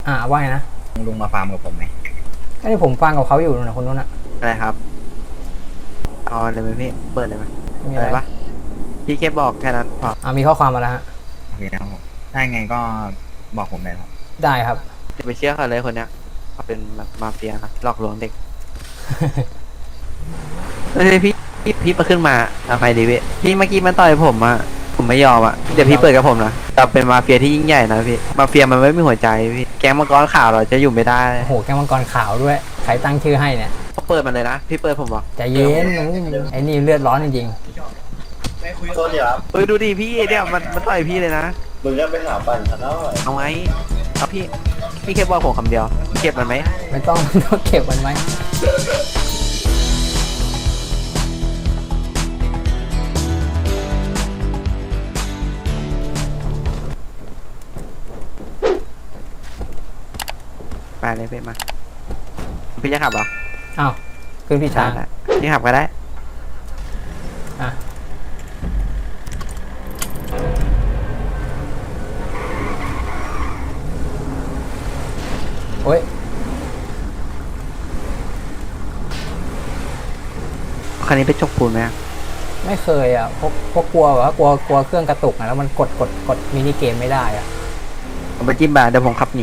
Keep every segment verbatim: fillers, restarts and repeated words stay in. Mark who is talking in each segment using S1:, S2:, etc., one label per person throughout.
S1: อ่าว่าไงนะ
S2: ลุงมาฟาร์มกับผมไหม
S1: ก็ที่ผมฟังกับเขาอยู่นะคนนู้นอะ
S3: อะไรครับเอาเลยไหมพี่เปิดเลยไหม
S1: มี
S3: อะ
S1: อะไร
S3: ไรปะพี่แค่บอกแค่นั้นพอ
S1: อ่ามีข้อความมาแล้วฮะ
S2: โอเคครับผมได้ไงก็บอกผมได้ครับ
S1: ได้ครับ
S3: จะไปเชื่อเขาเลยคนเนี้ยเขาเป็นแบบมาเฟียนะหลอกลวงเด็ก เฮ้ยพี่พี่พี่มาขึ้นมาเอาไปดิพี่พี่เมื่อกี้มันต่อยผมอะผมไม่ยอมอะเดี๋ยวพี่เปิดกับผมนะเราเป็นมาเฟียที่ยิ่งใหญ่นะพี่มาเฟียมันไม่มีหัวใจพี่แก๊งมังกรข่าวเราจะอยู่ไม่ได้
S1: โอ้โหแก้วมังกรขาวด้วยใครตั้งชื่อให้เนี่ย
S3: เขาเปิดมันเลยนะพี่เปิดผมบอก
S1: ใจเย็นไอ้นี่เลือดร้อนจริง
S4: โทษดีครับ
S3: เฮ้ยดูดิพี่เนี่ยมันมันต่อยพี่เลยนะ
S4: มึงก็ไปหาปั่นซะหน่อย
S3: เอาไงเอาพี่พี่แค่บอกผมคำเดียวเก็บมันไหม
S1: ๆไม่ต้องไม่ต้องเก็บมันไว้
S3: ไปเลยพี่มาพี่จะขับเหรอ
S1: อ้าวขึ้นพี่ช้าง
S3: ได้พี่ขับก็ได้
S1: อ่ะโอ้ย
S3: คันนี้ไปจกปูนไหม
S1: ไม่เคยอ่ะพวกพวกกลัวแบบว่ากลัวกลัวเครื่องกระตุกอ่ะแล้วมันกดกดกดมินิเกมไม่ได้อ่ะ
S3: เอาไปจิ้มบาเดี๋ยวผมขับหนี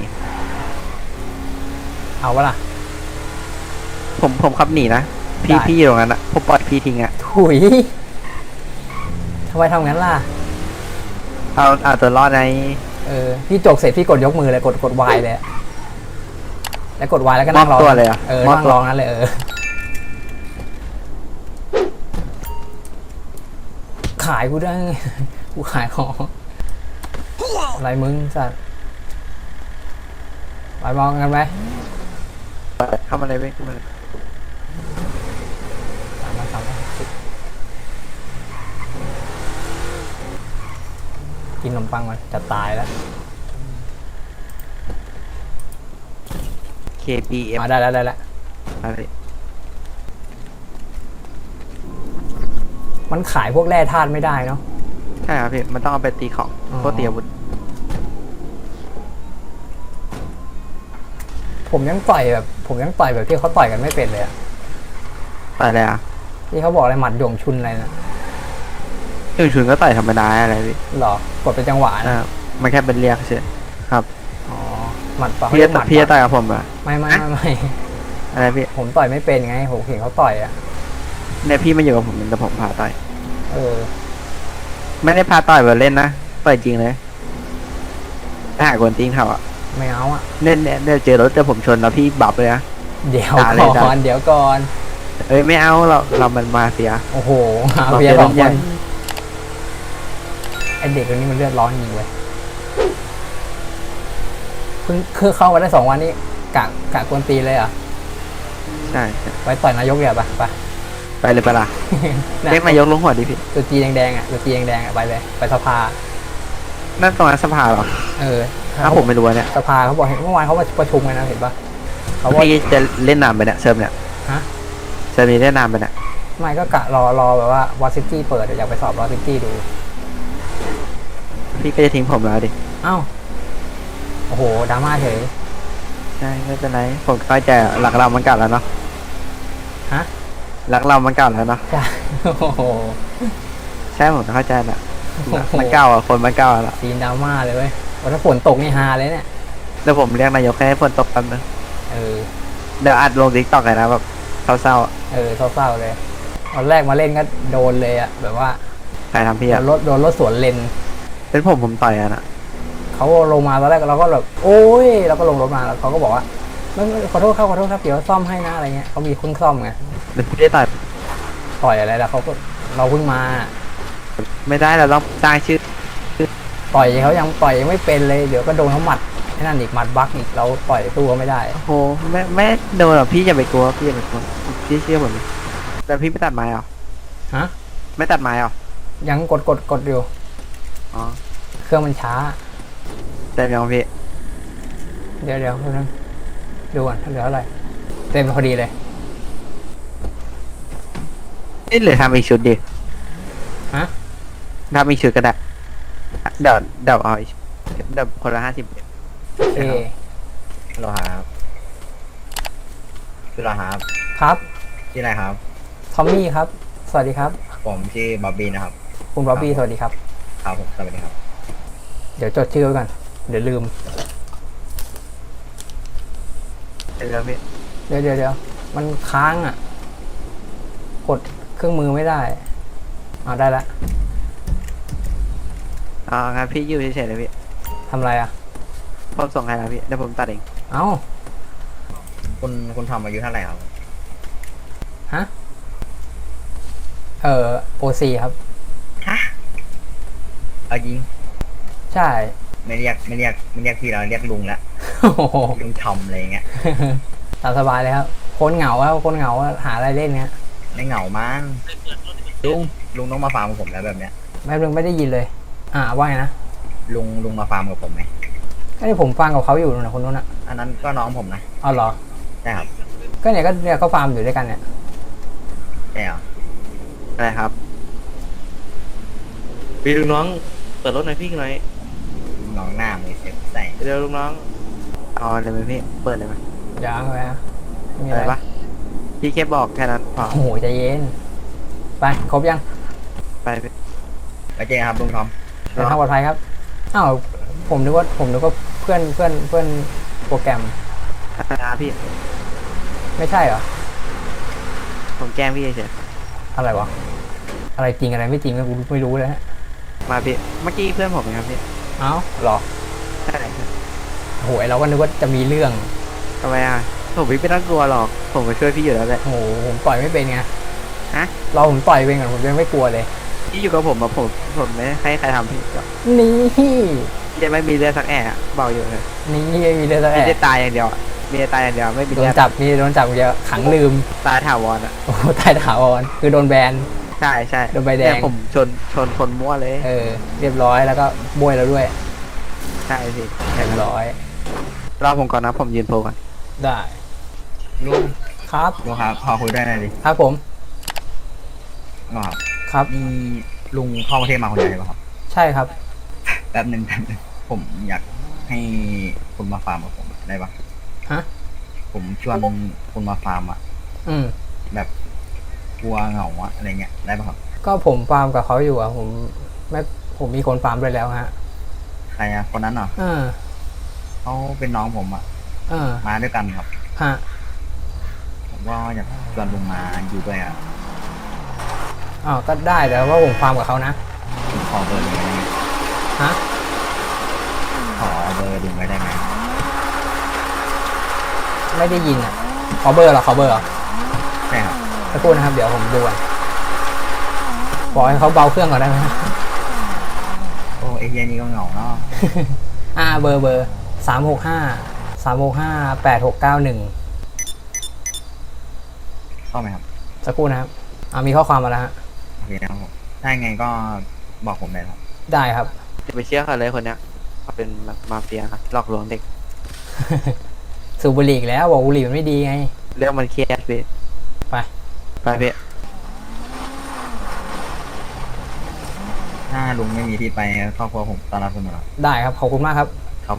S1: เอาวะล่ะ
S3: ผมผมขับหนีนะพี่พี่อยู่ตรงนั้นอะผมปล่อยพี่ทิ้งอะ
S1: ถุยทำไมทำงั้นล่ะ
S3: เอาเอาตัวรอดใน
S1: เออพี่จกเสร็จพี่กดยกมือเลยกดกดวายเลยแล้วกดวายแล้วก็นั่งรอ
S3: ตัวเลยอะ
S1: เออนั่งรอนั้นเลยเออขายกูได้ไงกูขายของอะไรมึงสัตว์ไปมองกันไหม
S3: เข้ามาเลยเว้ยเข้ามาเลย
S1: สามพันสามร้อยหกสิบกินขนมปังมันจะตายแล้ว
S3: เค บี เอ็ม
S1: มาได้แล้วได้แล้ว
S3: อะไร
S1: มันขายพวกแร่ธาตุไม่ได้เนาะ
S3: ใช่ครับพี่มันต้องเอาไปตีของ
S1: อ๋อ
S3: พวกตีอาวุธ
S1: ผมยังต่อยแบบผมยังต่อยแบบที่เขาต่อยกันไม่เป็นเลยอะ
S3: ต่อยอะไรอ่ะ
S1: ที่เขาบอกอะไรหมัดหย่งชุนอะไรนะ
S3: ถึงชุนก็ต่อยธรรมดาอะไรพี่
S1: หรอกดเป็นจังหวะ
S3: อ่า
S1: นะ
S3: มันแค่เป็นเรียกเฉยครับ
S1: อ๋อหมัดปะ
S3: พี่จะ
S1: เขาเรียกหมัด
S3: พี่จะ
S1: ปะ
S3: ต่อยกับผมเหรอ่ะ
S1: ไม่ไม่ไม่ไม่
S3: อะไรพี่
S1: ผมต่อยไม่เป็นไงผมเห็นเขาต่อยอ่ะ
S3: เนี่ยพี่มาอยู่กับผมแต่ผมพาต่อย
S1: เออ
S3: ไม่ได้พาต่อยแบบเล่นนะต่อยจริงเลยถ้าหากคนติ้งเขาอ่ะ
S1: ไม่เอาอ่ะ
S3: เล่นเนี่ยเดี๋ยวเจอรถเจอผมชนแล้วพี่บับเลยนะ
S1: เดี๋ยว
S3: ด่าเลย
S1: ก่
S3: ด่า
S1: อนเดี๋ยวก่อน
S3: เอ้ยไม่เอาเราเรามันมาเฟีย
S1: โอ้โหหา
S3: เรา
S1: เบียร์
S3: เจอ
S1: สอง
S3: เล่น
S1: ค
S3: ใหญ่
S1: นไอเด็กคนนี้มันเลือดร้อนจริงเว้ยเพิ่งคือเข้ามาได้สองวันนี้กะกะกวนตีนเลยเหรอ่ะ
S3: ใช่ใช่
S1: ไปต่อยนายกเดี๋ยวไปไป
S3: ไปเลยปะล่ะเรียกนายกลงหัวดิพี่
S1: ตัวจีแดงๆอ่ะตัวจีแดงๆอ่ะไปเลยไปสภา
S3: นั่นตรงนั้นสภาเหรอ
S1: เออ
S3: ถ้าผมไม่รู้เนี่ย
S1: สภาเขาบอกเห็นเมื่อวานเขาประชุมกันนะเห็นปะเขาว่า
S3: พี่จะเล่นนามไปเนี่ยเซิร์ฟเนี่ย
S1: ฮะ
S3: เซิร์ฟนี้เล่นนามไปเนี่ย
S1: ไม่ก็กะรอรอแบบว่าวอซิตี้เปิดอยากไปสอบวอซิตี้ดู
S3: พี่ก็จะทิ้งผมแล้วดิ
S1: เอ้าโอ้โหดราม่าเฉย
S3: ใช่ไม่เป็นไรผมเข้าใจหลักเรามันเก่าแล้วเนาะ
S1: ฮะ
S3: หลักเรามันเก่าแล้วเนาะ
S1: ใช่โอ้โห
S3: ใช่ผมเข้าใจแหละมันเก่าอ่ะคนมันเก่าแล้ว
S1: ซีนดราม่าเลยเว้ยว่าถ้าฝนตกนี่ฮาเลยเนี่ย
S3: เดี๋ยวผมเรียกนายกให้ฝนตกแป๊บนึง
S1: เออ
S3: เดี๋ยวอัดลงทิกตอกเลยนะแบบเศร้าๆอ่ะ
S1: เออเศร้าๆเลยตอนแรกมาเล่นก็โดนเลยอ่ะแบบว่า
S3: ใครทำพี่
S1: โด
S3: อ่ะ
S1: นรถโดนรถสวนเลน
S3: เป็นผมผมต่อยอ่ะนะ
S1: เขาลงมาตอนแรกเราก็แบบโอ้ยเราก็ลงรถมาแล้วเขาก็บอกว่าไม่ไม่ขอโทษครับขอโทษครับเดี๋ยวซ่อมให้นะอะไรเงี้ยเขามีเครื่องซ่อมไง
S3: เดี๋ยวพี่ได้ต่อย
S1: ต่อยอะไรแล้วเขาก็เราเพิ่งมา
S3: ไม่ได้เราต้องสร้างชื่อ
S1: ต่อยเขายังต่อยยังไม่เป็นเลยเดี๋ยวก็โดนเขาหมัดไอ้นั่นอีกหมัดบักอีกเราต่อยสู้เขาไม่ได้
S3: โอ้โหไม่ไม่โดนหรอกพี่อย่าไปกลัวพี่อย่าไปกลัวพี่เชื่อผมดิแต่พี่ไม่ตัดไม้เหรอ
S1: ฮะ
S3: ไม่ตัดไม้เหรอ
S1: ยังกดกดกดอยู่
S3: อ๋อ
S1: เครื่องมันช้า
S3: แต่ยังพี่
S1: เดี๋ยวเดี๋ยวเพิ่งดูก่อนเหลืออะไรเต็มพอดีเลย
S3: นี่เหลือทำอีกชุดดิ
S1: ฮะ
S3: ทำอีกชุดก็ได้เดี๋ยวเดี๋ยวเอาอีกเดี๋ยวคนละห้าสิบ
S1: โอเค
S2: ฮัลโหลครับชื่ออะไรครับ
S1: ครับ
S2: ชื่ออะไรครับ
S1: ทอมมี่ครับ สวัสดีครับ
S2: ผมชื่อบ๊อบบี้นะครับ
S1: คุณบ๊อบบี้สวัสดีครับ
S2: ครับผมสวัสดีครับ
S1: เดี๋ยวจดชื่อไว้ก่อนเดี๋ยวลืม
S3: เดี๋ยวพี่
S1: เดี๋ยวเดี๋ยวเดี๋ยวมันค้างอ่ะ กดเครื่องมือไม่ได้เอาได้ละ
S3: อ๋องั้นพี่อยู่เฉยๆเลยพี่
S1: ทำอะไรอ่ะ
S3: ผมส่งให้แล้วพี่เดี๋ยวผมตัดเอง
S1: เอ้า
S2: คุณคุณทอมอายุเท่าไหร่ครับ
S1: ฮะ เอ่อโอซีครับ
S2: ฮะเอายิง
S1: ใช่
S2: ไม่เรียกไม่เรียกไม่เรียกพี่เราเรียกลุงละ
S1: โอ้โห
S2: ลุงทอมอะไรอย่างเงี้ย
S1: ตามสบายเลยครับ คนเหงาครับคนเหงาหาอะไรเล่นเนี้ย
S2: ไม่เหงามั้งลุงลุงต้องมาฟาร์มกับผมแล้วแบบเนี้ย
S1: แม่เพิ่งไม่ได้ยินเลย อ่าว่าไงนะ
S2: ลุงลุงมาฟาร์มกับผมไหม
S1: ก็ที่ผมฟังกับเขาอยู่นะคนนู้นอ่ะ
S2: อันนั้นก็น้องผมนะ
S1: เอาเหรอ
S2: ใช่ครับ
S1: ก็เนี่ยก็เนี่ยก็ฟาร์มอยู่ด้วยกันเนี่ย
S2: ใช่เหรอ
S3: อะไรครับ
S5: พี่ลุงน้องเปิดรถหน่อยพี่หน่อย
S2: น้องหน้ามือเซ็ตใส่
S5: เร็วลุงน้อง
S3: เอาเลยไหมพี่เปิดเลยไหม
S1: ยังเลยนะไม่มี
S3: อะ
S1: อะไร ไร
S3: ปะพี่แค่บอกแค่นั้นพอ
S1: โอ้โหใจเย็น ไปครบยัง
S3: ไปพี่
S2: ไปเจอกันครับลุงทอม
S1: เดินทางปลอดภัยครับ อ้าวผมนึกว่าผมนึกว่าเพื่อนเพื่อนเพื่อนโปรแกรม
S3: นะพี่
S1: ไม่ใช่เหรอ
S3: ผมแกล้งพี่เฉย
S1: อะไรวะ อะไรจริงอะไรไม่จริงก็กูไม่รู้เลยฮะ
S3: ๆมาพี่เมื่อกี้เพื่อนผมเองครับพี่
S1: เอ้าเหรอ
S3: ใช่ครับ
S1: โอ้โหเราก็นึกว่าจะมีเรื่อง
S3: ทำไมอ่ะผมไม่ต้องกลัวหรอกผมมาช่วยพี่อยู่แล้วแหละ
S1: โอ้โหผมต่อยไม่เป็นไง
S3: ฮะ
S1: เราผมต่อยเป็นก่อนผมยังไม่กลัวเลย
S3: พี่อยู่กับผมมาผมผมไม่ให้ใครทำพี่หรอก
S1: นี่
S3: พี่จะไม่มีเลือดสักแอะบอกอยู่เลย
S1: นี่ไม่มีเรื่องอะไร
S3: พี่จะตายอย่างเดียวอะมีแต่ตายอย่างเดียวไม่มี
S1: โด
S3: เลื
S1: น
S3: อด
S1: จับนี่โดนจับเดียวขังลืม
S3: ตายถาวรอ่ะ
S1: โอ้โหตายถาวรคือโดนแบน
S3: ใช่ใช่
S1: โดนใบแดง
S3: เนี่ยผมชนชนคนมั่วเลย
S1: เออ เรียบร้อยแล้วก็บวยแล้วด้วย
S3: ใช่พี่
S1: เรียบร้อย
S3: รอผมก่อนนะผมยืนโพลก่อน
S1: ได้
S2: ลุง
S1: ครับ
S2: ลุงครับพอคุยได้หน่อยดิ
S1: ครับผม
S2: ลุงครับ
S1: ครับ
S2: นี่ลุงเข้าประเทศมาคนเดียวใช่ปะครับ
S1: ใช่ครับ
S2: แป๊บหนึ่งแป๊บหนึงผมอยากให้คุณมาฟาร์มกับผมได้ปะ
S1: ฮะ
S2: ผมชวนคุณมาฟาร์มอะ
S1: อืม
S2: แบบกลัวเหงาอะอะไรเงี้ยได้ปะครับ
S1: ก็ผมฟาร์มกับเขาอยู่อ่ะ ผมไม่ผมมีคนฟาร์มด้วยแล้วฮะ
S2: ใครอะคนนั้นเหรอ
S1: เออ
S2: เขาเป็นน้องผมอะ
S1: เออ
S2: มาด้วยกันครับ
S1: ฮะ
S2: ผมก็อยากชวนลุงมาอยู่ด้วยอะ
S1: อ๋อก็ได้แต่ว่าผมฟาร์มกับเขานะ
S2: ผมขอเบอร์ลุงได้ไหม
S1: ฮะ
S2: ขอเบอร์ลุงไว้ได้ไหม
S1: ไม่ได้ยินอ่ะ ขอเบอร์เหรอ ขอเบอร์เหรอ
S2: ใช่ครับ
S1: สักครู่นะครับ เดี๋ยวผมดูก่อนบอกให้เขาเบาเครื่องก่อนได้ไหม
S2: โอ้ไอเฮียนี่ก็เหงาเนาะ
S1: อ่า เบอร์เบอร์สามหกห้า สามหกห้า แปดหกเก้าหนึ่ง
S2: เข้าไหมครับ
S1: สักครู่นะครับ อ่ามีข้อความมาแล้วฮะ
S2: โอเคนะครับผมถ้ายังไงก็บอกผมได้ครับ
S1: ได้ครับ
S3: จะไปเชื่อเขาเลยคนเนี้ยเขาเป็นแบบมาเฟียครับหลอกลวงเด็ก
S1: สูบบุหรี่อีกแล้วบอกบุหรี่มันไม่ดีไง
S3: เรื่องมันเครียดพี่
S1: ไป
S3: ไปพี่
S2: ถ้าลุงไม่มีที่ไปครอบครัวผมต้อนรับเสมอครับ
S1: ได้ครับ ขอบคุณมากครับ
S2: ครับผม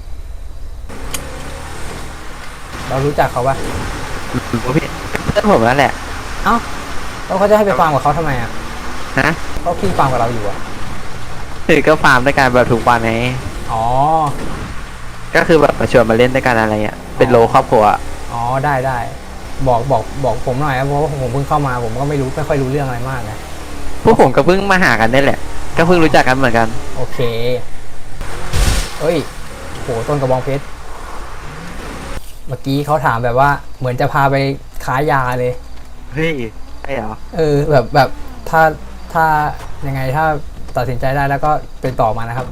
S1: เรารู้จักเขาปะ
S3: รู้พี่เพื่อนผมนั่นแหละ
S1: เอ้าแล้วเขาจะให้ไปฟาร์มกับเขาทำไมอ่ะ
S3: ฮะ
S1: เขาขี้ฟาร์มกับเราอยู่อ่ะ
S3: คือก็ฟาร์มด้วยกันแบบถูกวันไง
S1: อ๋อ
S3: ก็คือแบบมาชวนมาเล่นด้วยกันอะไรเงี้ยเป็นโลครอบครัวอะ
S1: อ๋อ ได้ได้ บอกบอกบอกผมหน่อยนะเพราะว่าผมเพิ่งเข้ามา ผมก็ไม่รู้ไม่ค่อยรู้เรื่องอะไรมากนะ
S3: พวกผมก็เพิ่งมาหากันนี่แหละ ก็เพิ่งรู้จักกันเหมือนกัน
S1: โอเค เอ้ยโหต้นกระบองเพชร เมื่อกี้เขาถามแบบว่า เหมือนจะพาไปค้ายาเลย
S3: เฮ้ยใช่เหรอ
S1: เออ แบบแบบถ้าถ้ายังไงถ้าตัดสินใจได้แล้วก็เป็นต่อมานะครับ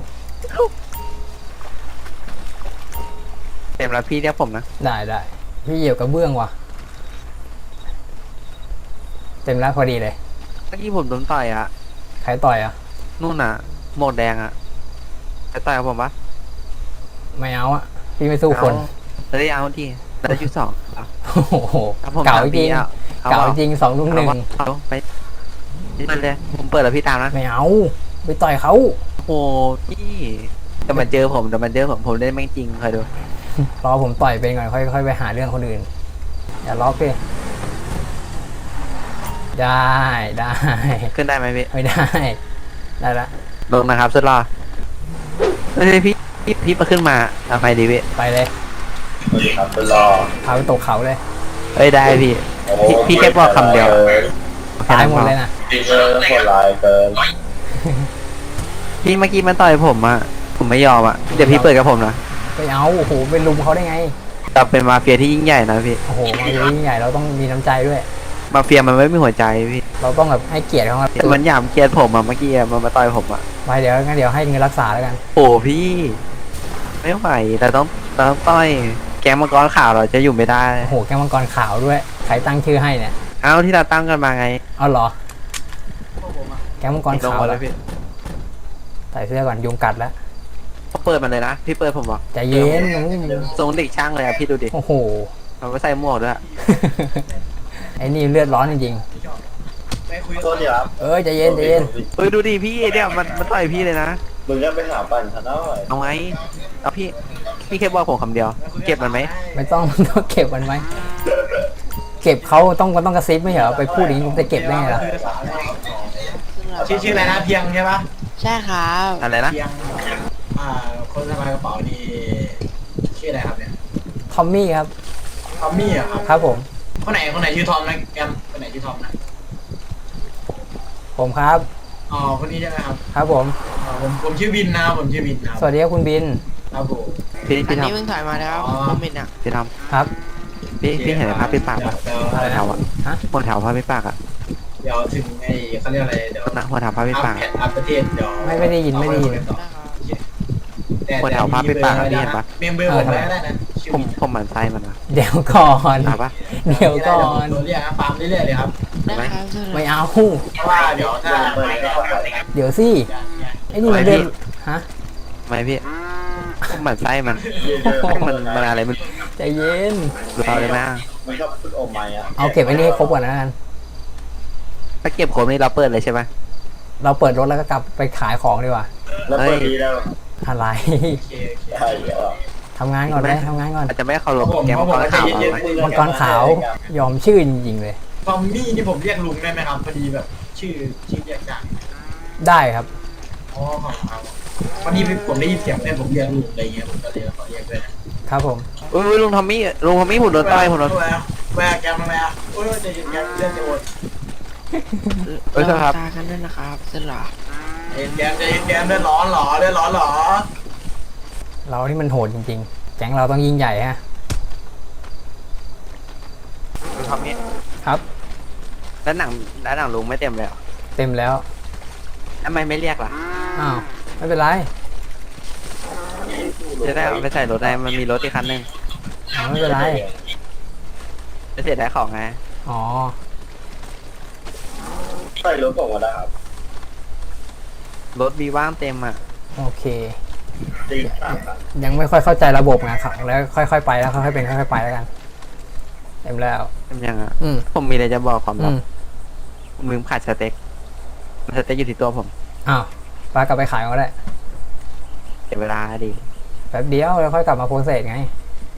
S3: เต็มแล้วพี่เรียกผมนะ
S1: ได้ได้พี่เหยียบกระเบื้องว่ะ เต็มแล้วพอดีเลย
S3: เมื่อกี้ผมโดนต่อยอะ
S1: ใครต่อยอ่ะ
S3: นู่นน่ะหมวกแดงอะจะต่อยกับผมปะ
S1: ไม่เอาอ่ะ พี่ไม่สู้คน
S3: เอาแล้วได้เอาที่แล้วได้จุดสองเอา
S1: โอ้โห
S3: เอาผม
S1: เก่า
S3: ถาม
S1: จริ
S3: พี่
S1: ง
S3: เอาเอา
S1: เก่า
S3: เอา
S1: จริงสองลุมหนึ่ง
S3: เอาไปเปิดเลยผมเปิดแล้วพี่ตามนะ
S1: ไม่เอาไปต่อยเขา
S3: โอ้พี่แต่มันเจอผมแต่มันเจอผมผมเล่นแม่งจริงคอยดู
S1: รอผมต่อยเป็นก่อนค่อยค่อยไปหาเรื่องคนอื่นอย่าล็อกดิได้ได้
S3: ขึ้นได้ไหมพี่
S1: ไม่ได้ได้ละ
S3: ลงนะครับสุดรอเฮ้ยพี่พี่พี่มาขึ้นมาทำไมดีพี่
S1: ไปเลย
S4: สวัสดีครับเป็นรอ
S1: พาไปตกเขาเลย
S3: เอ้ยได้พี่
S4: โอ้
S3: พี่พี่แค่บอกคำเดียว
S1: ตายหมดเลยนะ
S4: พี่เจอโหดร้ายเกิน
S3: พี่เมื่อกี้มันต่อยผมอะผมไม่ยอมอะเดี๋ยวพี่เปิดกับผมนะ
S1: ไปเอาโอ้โหเป็นลุมเขาได้ไง
S3: เราเป็นมาเฟียที่ยิ่งใหญ่นะพี่
S1: โอ้โหมาดูยิ่งใหญ่เราต้องมีน้ำใจด้วย
S3: มาเฟียมันไม่มีหัวใจพี่
S1: เราต้องแบบให้เกียรติเขาครับ
S3: มันหยามเกียรติผมอะเมื่อกี้อะมันมาต่อยผมอะ
S1: ไปเดี๋ยวงั้นเดี๋ยวให้เงินรักษาแล้วกัน
S3: โอ้พี่ ไม่ไหวแต่ต้องแต่ต้องต่อยแก๊งมังกรข่าวเราจะอยู่ไม่ได้
S1: โอ้โหแก้วมังกรขาวด้วยใครตั้งชื่อให้เนี่ย
S3: เอ้าที่เราตั้งกันมาไง
S1: เอาเหรอแก้วมังกร
S3: ลง
S1: ขาว
S3: มา
S1: แล้
S3: แล้ว วพี่
S1: ใส่เสื้อก่อนยุงกัดแล้ว
S3: เขาเปิดมันเลยนะพี่เปิดผมบอก
S1: ใจเย็น
S3: ทรงเด็กช่างเลยอะพี่ดูดิ
S1: โอ้โห
S3: มันไม่ใส่หมวกด้วยอะ
S1: ไอ้นี่เลือดร้อนจริง
S4: โทษทีครับ
S1: ๆเอ้ยใจเย็นใจเย็น
S3: เฮ้ยดูดิพี่เนี่ยมันมันต่อยพี่เลยนะ
S4: มึงก็ไปหาปั่นทันหน่อย
S3: เอาไงเอาพี่พี่แค่บอกผมคำเดียว เก็บมันไหม
S1: ไม่ต้อง ต้องเก็บมันไหมเก็บเขาต้องต้องกระซิบไม่เหรอไปพูดอย่างนี้ผมจะเก็บได้ไงล่ะ
S6: ชื่อชื่ออะไรนะเพียงใช่ปะ
S7: ใช่ครับ
S3: อะไรนะ
S6: เพียงอ่าคนสะพายกระเป๋านี่ชื่ออะไรครับเนี่ย
S1: ทอมมี่ครับ
S6: ทอมมี่เหรอครับ
S1: ครับผม
S6: คนไหนคนไหนชื่อทอมนะแกมคนไหนชื่อทอมนะ
S1: ผมครับ
S6: อ๋อคนนี้ใช่ไหมครับ
S1: ครับผม
S6: อ๋อผมผมชื่อวินนะครับผมชื่อวินนะครับ
S1: สวัสดีครับคุณบิน
S6: ครับผม
S3: พี่
S7: อั
S3: พี่
S7: น
S3: ท
S7: นี้เพิ่งถอยมาแล้วผมเป็นอ่ะ
S3: ำพี่ท
S1: ครับ
S3: ำพี่พี่เห็นภาพพี่ปากปะ
S6: เดี๋ยว
S1: อะไร
S3: หัว
S1: นะ
S3: แถวอะ
S1: ฮะ
S3: หัวแถวภาพพี่ปากอะ
S6: เดี๋ยวถึงไอ้เขาเรียกอะไรเดี๋ยว
S3: นะหัวแถวภาพพี่
S6: อัพ
S3: ปาก
S6: แพทอัพประเทศเดี๋ยว
S1: ไม่ไม่ได้ยินไม่ได้ยิน
S6: แต่
S3: คนแถวภาพไปปากอะพี่เห็นปะ
S6: เมมเบอร์ผมไว้ก็ได้นะชื่อ
S3: ผมผมหมั่นไส้มันนะ
S1: เดี๋ยวก่อน
S3: เอาปะ
S1: เดี๋ยวก่อน
S6: ตัวเรียกนะฟาร์มเรื่อยๆเลยครับ
S7: นะครับสุด
S1: ไม่เอา
S6: เพราะว่าเดี๋ยวถ้า
S1: เดี๋ยวสิไอ้นี่มันเรื่องฮะ
S3: ไม่พี่ผมหมั่นไส้มันมันมันอะไรมัน
S1: ใจเย็น
S3: เราเลยนะ
S4: มึงชอบพูดโอไมอ่ะ
S1: เอาเก็บไอ้นี่ให้ครบก่อนนะกัน
S3: ถ้าเก็บผมนี่เราเปิดเลยใช่ไหม
S1: เราเปิดรถแล้วก็กลับไปขายของดีกว่า
S4: แล้วเปิดดีแล้ว
S1: อะไร
S6: โอเคโอเค
S4: ใช่เหรอ
S1: ทำงานก่อนไหมทำงานก่อน
S3: อาจจะไม่เคารพแกมมังกรข่าวเราไหม
S1: มังกรขาวยอมชื่อจริงๆเลย
S6: ทอมมี่นี่ผมเรียกลุงได้ไหมครับพอดีแบบชื่อชื่อเรียกจาก
S1: ได้ครับ
S6: อ๋อของเขาวันนี้ผมได้ยินเสียงเพื่อนผมเรียกลุงอะไรเงี้ยผมก็เลยขอเรียกด้วยนะครับ
S1: ผม
S3: อุ้ยลุงทอมมี่ลุงทอมมี่ผมโดนต่อยผมโดน
S6: แวร์แวร์แกมมาแวร์โอ้ยเดี๋ยวแกมเรื่องจะโอน
S3: เอ้ยครับ
S7: ตากันด้วยนะครับสุดหล่อ
S6: เอ็นแกมจะเอ็นแกมเดือดร้อนเหรอเดือดร้อนเหรอ
S1: เรานี่มันโหดจริงๆ แก๊งเราต้องยิ่งใหญ่ฮะ
S3: ลุงทอมมี่
S1: ครับ
S3: แล้วหนังแล้วหนังลุงไม่เต็มเลยเหรอ
S1: เต็มแล้ว
S3: ทำไมไม่เรียกล่ะ
S1: อ้าวไม่เป็นไร
S3: จะได้เอาไปใส่รถได้มันมีรถอีกคันหนึ่ง
S1: อ้าวไม่เป็นไร
S3: จะเสียได้ของไง
S1: อ๋อ
S4: ใส่รถผมก็ได้ครับ
S3: รถมีว่างเต็มอ่ะ
S1: โอเค
S4: ตีสามครับ
S1: ยังไม่ค่อยเข้าใจระบบไงครับแล้วค่อยๆไปแล้วค่อยๆเป็นค่อยๆไปแล้วกัน เต็มแล้ว
S3: เต็มยังอ่ะ
S1: อืม
S3: ผมมีอะไรจะบอกความ
S1: อื
S3: ลับ
S1: ม
S3: ผมลืมขาดสเต็กสเต็กอยู่ที่ตัวผม
S1: อ้าวปลากลับไปขายก็ได้
S3: เสียเวลาดิ
S1: แป๊บเดียวแล้วค่อยกลับมาโพสเซสไง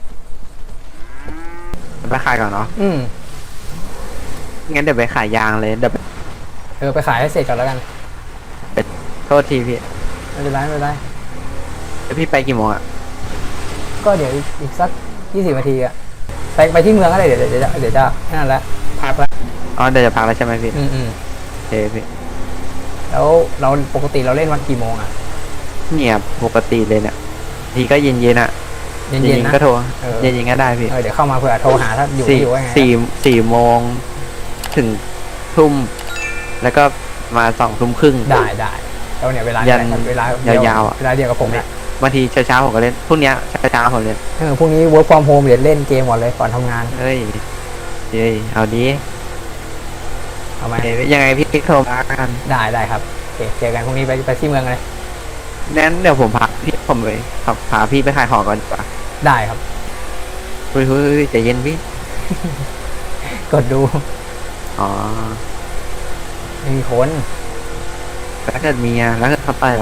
S3: ไปขายก่อนเนาะ
S1: อืม
S3: งั้นเดี๋ยวไปขายยางเลยเดี๋ยวไป
S1: เออไปขายให้เสร็จก่อนแล้วกัน
S3: โทษทีพี่
S1: ไม่เป็นไรไม่เป็นไร
S3: แล้วพี่ไปกี่โมงอ่ะ
S1: ก็เดี๋ยวอีกสักยี่สิบนาทีอะไปไปที่เมืองก็ได้เดี๋ยวเดี๋ยวจะเดี๋ยวจะแค่นั้นแหละพักแล้ว
S3: อ๋อเดี๋ยวจะพักแล้วใช่ไหมพี่
S1: อืมอืม
S3: โอเคพี่
S1: แล้วเราปกติเราเล่นวันกี่โมงอะ
S3: เนี่ยปกติเลยเนี่ยทีก็เย็นเย็นๆอ่ะ
S1: เย็นๆนะ
S3: ก็โทร
S1: เออ
S3: เย็นๆก็ได้พี่
S1: เออเดี๋ยวเข้ามาเผื่อโทรหาถ้าอยู่
S3: สี่
S1: ไม่อยู่ว่าไง
S3: สี่สี่โมงถึงทุ่มแล้วก็มาสองทุ่มครึ่ง
S1: ได้ได้แล้วเนี่ยเวลา
S3: ยัน
S1: เวลาเดี
S3: ยาวๆอะ
S1: เวลาเดียวกับผมเนี่ย
S3: บางทีเช้าๆผมก็เล่นพรุ่งเนี้ยเช้าๆผมเล่น
S1: เออพรุ่งนี้ work from home เดี๋ยวเล่นเกมก่อนเลยก่อนทำงาน
S3: เฮ้ยเฮ้ยเอาดี
S1: เอาไหม
S3: เอ้ยยังไงพี่ติ๊กโทรมากัน
S1: ได้ได้ครับโอเคเจอกันพรุ่งนี้ไปไปที่เมืองเลย
S3: นั้นเดี๋ยวผมพาพี่ผมไปขับพาพี่ไปขายของก่อนดีกว่า
S1: ได้ครับ
S3: เฮ้ยเฮ้ยเฮ้ยใจเย็นพี่
S1: กดดู
S3: อ๋อ
S1: ไม่มีคน
S3: แล้วเกิดมีอะแล้วเกิดเขาต่อยเราอะ
S1: ก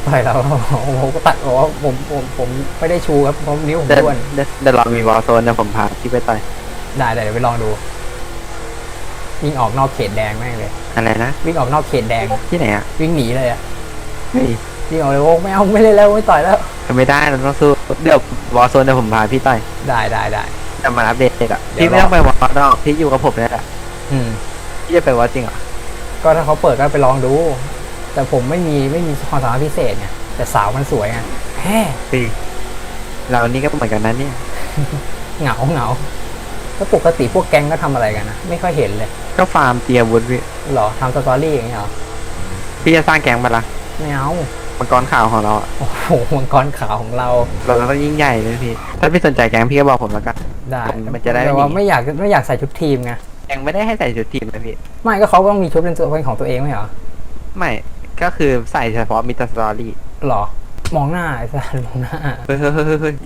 S1: ต่อยเราผมก็ตัดบอกว่าผมผมผมไม่ได้ชูครับเพราะนิ้วผม
S3: เดี๋ยว
S1: ด้วน
S3: เดี๋ยวเดี๋ยวเรามีวอลโซนนะผมพาพี่ไปต่อย
S1: ได้เดี๋ยวไปลองดูวิ่งออกนอกเขตแดงแม่งเลย
S3: อะไรนะ
S1: วิ่งออกนอกเขตแดง
S3: ที่ไหนอ่ะ
S1: วิ่งหนีเลยอะ
S3: เฮ้ย
S1: วิ่งออกเลยโอ้ไม่เอาไม่เล่นแล้วไม่ต่อยแล้ว
S3: ไม่ได้เราต้องสู้เดี๋ยววอลโซนเดี๋ยวผมพาพี่ต่อย
S1: ได้ได้ได้
S3: จะมาอัปเดตอ่ะ
S1: เดี๋ยว
S3: พี่ไม่ต้องไปวอลนอกพี่อยู่กับผมนี่แหละ
S1: อืม
S3: พี่จะไปวอลจริงเหรอ
S1: ก็ถ้าเขาเปิดก็ไปลองดู แต่ผมไม่มีไม่มีความสามารถพิเศษไงแต่สาวมันสวยไงแฮ่
S3: พี่เรานี่ก็เหมือนกันนะเนี่ย
S1: เหงาเหงาแล้วปกติพวกแก๊งก็ทำอะไรกันนะไม่ค่อยเห็นเลย
S3: ก็ฟาร์มเตียวุธพี่
S1: หรอทำสตอรี่อย่างเงี้ยเหรอ
S3: พี่จะสร้างแก๊งมาละ
S1: ไม่เอา
S3: มังกรข่าวของเราอะ
S1: โอ้โหมังกรขาวของเรา
S3: เราต้องยิ่งใหญ่เลยพี่ถ้าพี่สนใจแก๊งพี่ก็บอกผมแล้วกัน
S1: ได้
S3: มันจะได้ไม่
S1: แต่ว่า
S3: หนี
S1: ไม่อยากไม่อยากใส่ชุดทีมไง
S3: แก๊งไม่ได้ให้ใส่ชุดทีมนะพี่
S1: ไม่ก็เขาต้องมีชุดเป็นตัวเป็นของตัวเองไม่เหรอ
S3: ไม่ก็คือใส่เฉพาะมิตรสตอรี่
S1: หรอ มองหน้าไอ้สัสมองหน้า
S3: เฮ้ยเฮ้ยเฮ้ยเฮ้ยเฮ้ย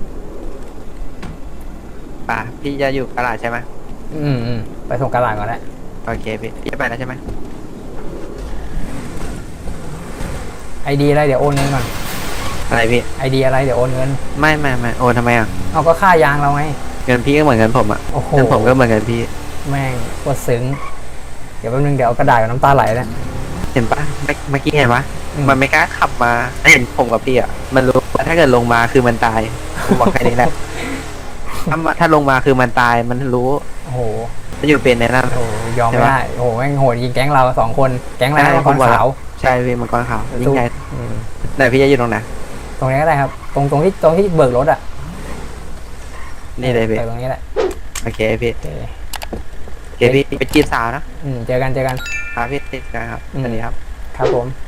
S3: ป่ะพี่จะอยู่กระดาษใช่ไหม
S1: อืมอืมไปส่งกระดาษก่อนแหละ
S3: โอเคพี่พี่จะไปแล้วใช่ไหม
S1: ไอดีอะไรเดี๋ยวโอนเงินก่อน
S3: อะไรพี่
S1: ไอดีอะไรเดี๋ยวโอนเงิน
S3: ไม่ไม่ไม่โอนทำไมอ่ะ
S1: เอาก็ค่ายางเราไง
S3: เงินพี่ก็เหมือนเงินผมอ่ะ
S1: โอ้โห
S3: เงินผมก็เหมือนเงินพี่
S1: แม่งปวดซึ้งเดี๋ยวแป๊บนึงเดี๋ยวเอากระดาษกับน้ำตาไหลแล้ว
S3: เห็นปะเมื่อเมื่อกี้เห็นปะ
S1: อืม
S3: มันไม่กล้าขับมาเห็นผมกับพี่อ่ะมันรู้ว่าถ้าเกิดลงมาคือมันตายผมบอกแค่นี้แหละ ถ้ามาถ้าลงมาคือมันตายมันรู้
S1: โอ้โห
S3: มันอยู่เป็นในนั้น
S1: โอ้โหยอม
S3: ใช่
S1: ไม่
S3: ปะ
S1: ได้โอ้โหแม่งโหดยิงแก๊งเราสองคนแก๊งอะไรนะมังกรขาว
S3: ใช่พี่มังกรขาวยิ่งใหญ่
S1: อืม
S3: ไหนพี่จะอยู่ตรงไหน
S1: ตรงนี้ก็ได้ครับ ตรงตรงที่ตรงที่เบิกรถอ่ะ
S3: นี่เลยพี่
S1: เบิกตรงนี้แหละ
S3: โอเคพี่
S1: โอเค
S3: โอเคพี่ไปจีบสาวนะ
S1: อืมเจอกันเจอกัน
S3: ครับพี่ติดกันครับ
S1: อืม
S3: สวัสดีครับ
S1: ครับผม